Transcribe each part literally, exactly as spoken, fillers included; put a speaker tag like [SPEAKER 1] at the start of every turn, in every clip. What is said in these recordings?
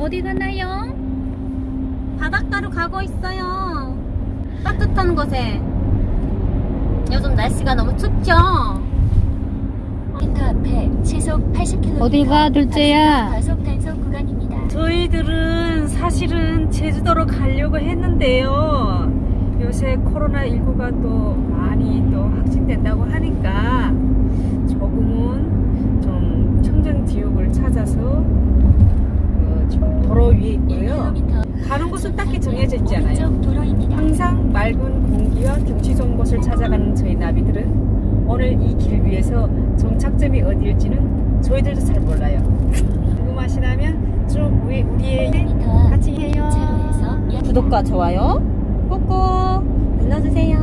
[SPEAKER 1] 어디 가나요? 바닷가로 가고 있어요. 따뜻한 곳에. 요즘 날씨가 너무 춥죠?
[SPEAKER 2] 앞에 시속 팔십 킬로미터
[SPEAKER 1] 어딜 가, 둘째야?
[SPEAKER 2] 과속 단속 구간입니다.
[SPEAKER 3] 저희들은 사실은 제주도로 가려고 했는데요. 요새 코로나십구가 또 많이 또 확진된다고 하니까 조금은 좀 청정지역을 찾아서 어, 지금 도로 위에 있고요. 가는 곳은 딱히 정해져 있지 않아요.
[SPEAKER 2] 도로입니다.
[SPEAKER 3] 항상 맑은 공기와 경치 좋은 곳을 찾아가는 저희 나비들은 오늘 이 길 위에서 정착점이 어디일지는 저희들도 잘 몰라요. 궁금하시다면 좀 우리, 우리의 같이 해요. 구독과 좋아요 꾹꾹 눌러주세요.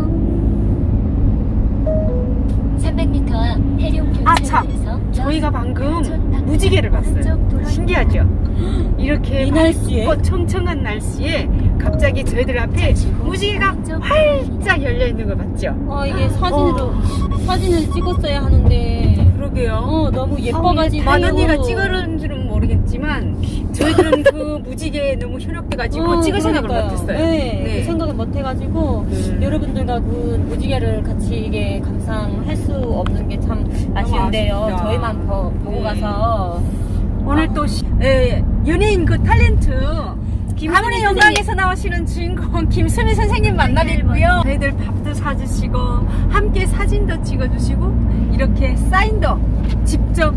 [SPEAKER 2] 삼백 미터 앞 해룡
[SPEAKER 3] 아 참! 저희가 방금 무지개를 봤어요. 신기하죠? 이렇게
[SPEAKER 1] 이 날씨에?
[SPEAKER 3] 밝고 청청한 날씨에 갑자기 저희들 앞에 무지개가 활짝 열려있는 걸 봤죠?
[SPEAKER 1] 어, 이게 사진으로, 사진을 찍었어야 하는데.
[SPEAKER 3] 그러게요.
[SPEAKER 1] 어, 너무 예뻐가지고.
[SPEAKER 3] 만 언니가 찍으는지는 모르겠지만 저희들은 그 무지개에 너무 현혹돼가지고
[SPEAKER 1] 어,
[SPEAKER 3] 찍을 생각을
[SPEAKER 1] 그러니까요.
[SPEAKER 3] 못했어요.
[SPEAKER 1] 네,
[SPEAKER 3] 네.
[SPEAKER 1] 그 생각을 못해가지고
[SPEAKER 3] 네.
[SPEAKER 1] 여러분들과 그 무지개를 같이 이게 감상할 수 없는 게 참 아쉬운데요.
[SPEAKER 3] 아쉽다.
[SPEAKER 1] 저희만 보, 보고
[SPEAKER 3] 네.
[SPEAKER 1] 가서
[SPEAKER 3] 오늘 또 시- 예, 연예인 그 탤런트 가문의
[SPEAKER 1] 선생님.
[SPEAKER 3] 영광에서 나오시는 주인공 김수미 선생님 만나뵙고요. 저희들 밥도 사주시고 함께 사진도 찍어주시고 이렇게 사인도 직접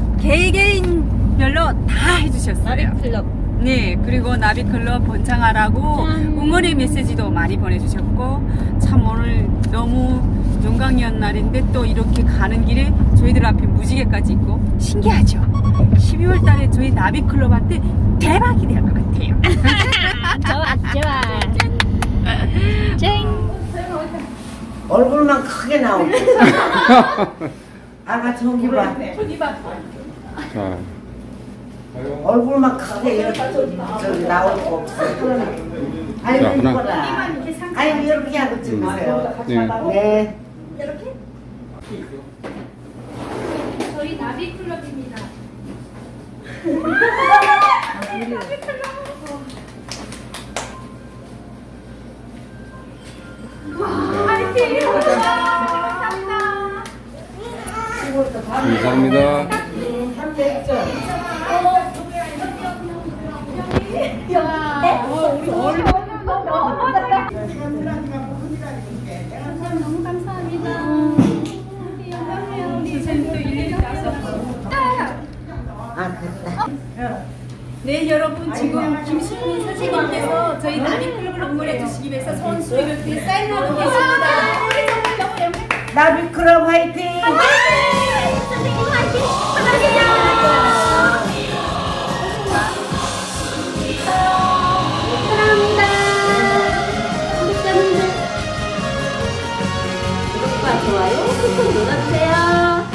[SPEAKER 3] 개개인별로 다 해주셨어요.
[SPEAKER 1] 나비클럽.
[SPEAKER 3] 네, 그리고 나비클럽 번창하라고
[SPEAKER 1] 짠.
[SPEAKER 3] 응원의 메시지도 많이 보내주셨고 참 오늘 너무 영광이었 날인데 또 이렇게 가는 길에 저희들 앞에 무지개까지 있고 신기하죠? 십이월 달에 저희 나비클럽한테 대박이 될 것 같아요.
[SPEAKER 1] 좋아, 좋아. 쨍.
[SPEAKER 4] 얼굴만 크게 나오고. 아가 저기 봐.
[SPEAKER 5] 자,
[SPEAKER 4] 얼굴만 크게 이렇게 저기 나올 거 없어. 아이고
[SPEAKER 5] 자, 하나.
[SPEAKER 4] 이거라. 아이고 이렇게 하고 찍으세요.
[SPEAKER 5] 네.
[SPEAKER 4] 네.
[SPEAKER 1] 저희 나비클럽입니다.
[SPEAKER 5] 감사합니다.
[SPEAKER 1] 너무 감사합니다. 우리 영광이에요. 우리 선생님도 일일이 와서.
[SPEAKER 4] 아 됐다.
[SPEAKER 3] 네, 여러분 지금 김수미 선생님께서 저희 나비클럽을 응원해 주시기 위해서 손수를 이렇게 사인하고 계십니다.
[SPEAKER 4] 나비클럽 화이팅!
[SPEAKER 1] 선생님 화이팅! 감사합니다. 사랑합니다. 구독자분들 구독과 좋아요 꾹꾹 눌러주세요.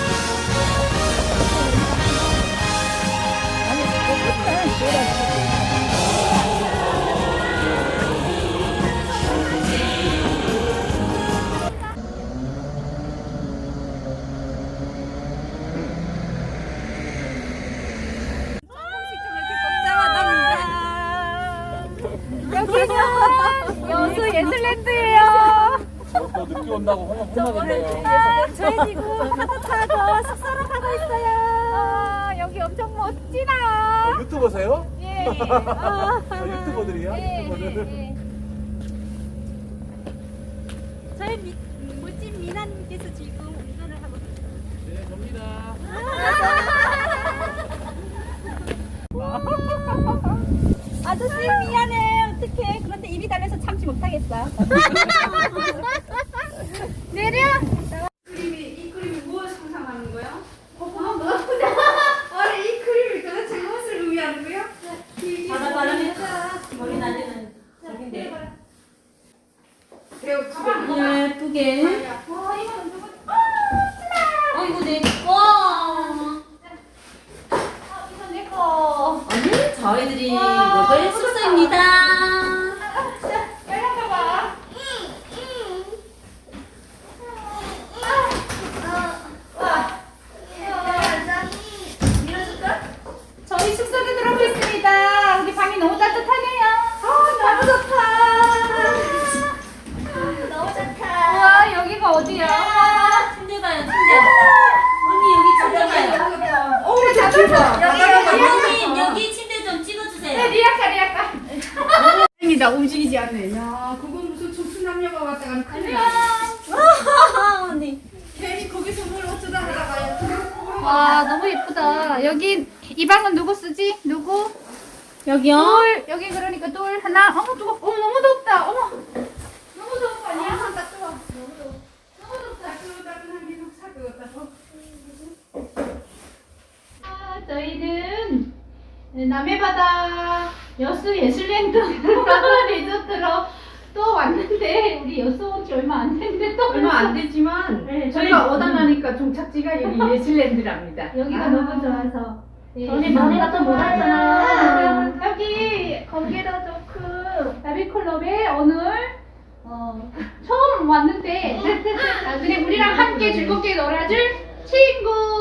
[SPEAKER 1] 여기는 여수 예술랜드예요.
[SPEAKER 5] 또 늦게 온다고 혼나, 혼나겠네요.
[SPEAKER 1] 저희 지금 파도 타고 숙소로 가고 있어요. 아, 여기 엄청 멋지다.
[SPEAKER 5] 유튜버세요?
[SPEAKER 1] 예. 아,
[SPEAKER 5] 저 유튜버들이야?
[SPEAKER 1] 예,
[SPEAKER 5] 유튜버들.
[SPEAKER 1] 예, 예. 저희 미, 멋진 미나님께서 지금 운전을 하고 계세요.
[SPEAKER 5] 네, 접니다.
[SPEAKER 1] 아저씨 미안해. 어떡해. 그런데 입이 달려서 참지 못하겠어. 내려.
[SPEAKER 3] 이 그림이 무엇을 상상하는 거야? 아니 이 그림이 도대체 무엇을 의미하는 거야?
[SPEAKER 1] 바다 바람에 머리 날리는 저긴데.
[SPEAKER 3] 배우 지금
[SPEAKER 1] 예쁘게.
[SPEAKER 3] 와 이거는 누구?
[SPEAKER 1] 어 이거 내 거.
[SPEAKER 3] 이건 내 거.
[SPEAKER 1] 오늘 저희들이 먹을 숙소입니다.
[SPEAKER 3] 열려봐봐.
[SPEAKER 1] 저희 숙소에 들어오고 있습니다.
[SPEAKER 6] 언니 여기 찾아가요.
[SPEAKER 1] 어, 우리 잡았어.
[SPEAKER 6] 여기 여기 침대 좀 찍어주세요.
[SPEAKER 1] 네, 리아카, 리아카. 다행이다, 움직이지 않네. 야, 그건 무슨 촉수남녀가 왔다가 큰일 났네.
[SPEAKER 6] 언니.
[SPEAKER 1] 괜히 거기서 뭘 어쩌다 하다가. 와, 너무 예쁘다. 여기, 이 방은 누구 쓰지? 누구?
[SPEAKER 6] 여기요?
[SPEAKER 1] 돌, 여기 그러니까 돌 하나. 어머, 뜨거 어머, 너무 덥다. 어머. 너무 더운 거 아니야? 한다, 뜨거. 너무 더워. 너무 덥다. 따끈따끈한 게 사 끓었다. 아, 저희는 남해바다 여수 예술랜드 리조트로 또 왔는데, 우리 여수 온 지 얼마 안 됐는데 또
[SPEAKER 3] 얼마 안 되지만
[SPEAKER 1] 네,
[SPEAKER 3] 저희가 오다 나니까 종착지가 여기 예술랜드랍니다.
[SPEAKER 1] 여기가
[SPEAKER 3] 아.
[SPEAKER 1] 너무 좋아서. 네.
[SPEAKER 6] 전에 너네가 또 못 왔잖아.
[SPEAKER 1] 여기 거기도 좋고 나비클럽에 오늘 어, 처음 왔는데 아, 그냥 우리랑 함께 즐겁게 놀아줄 친구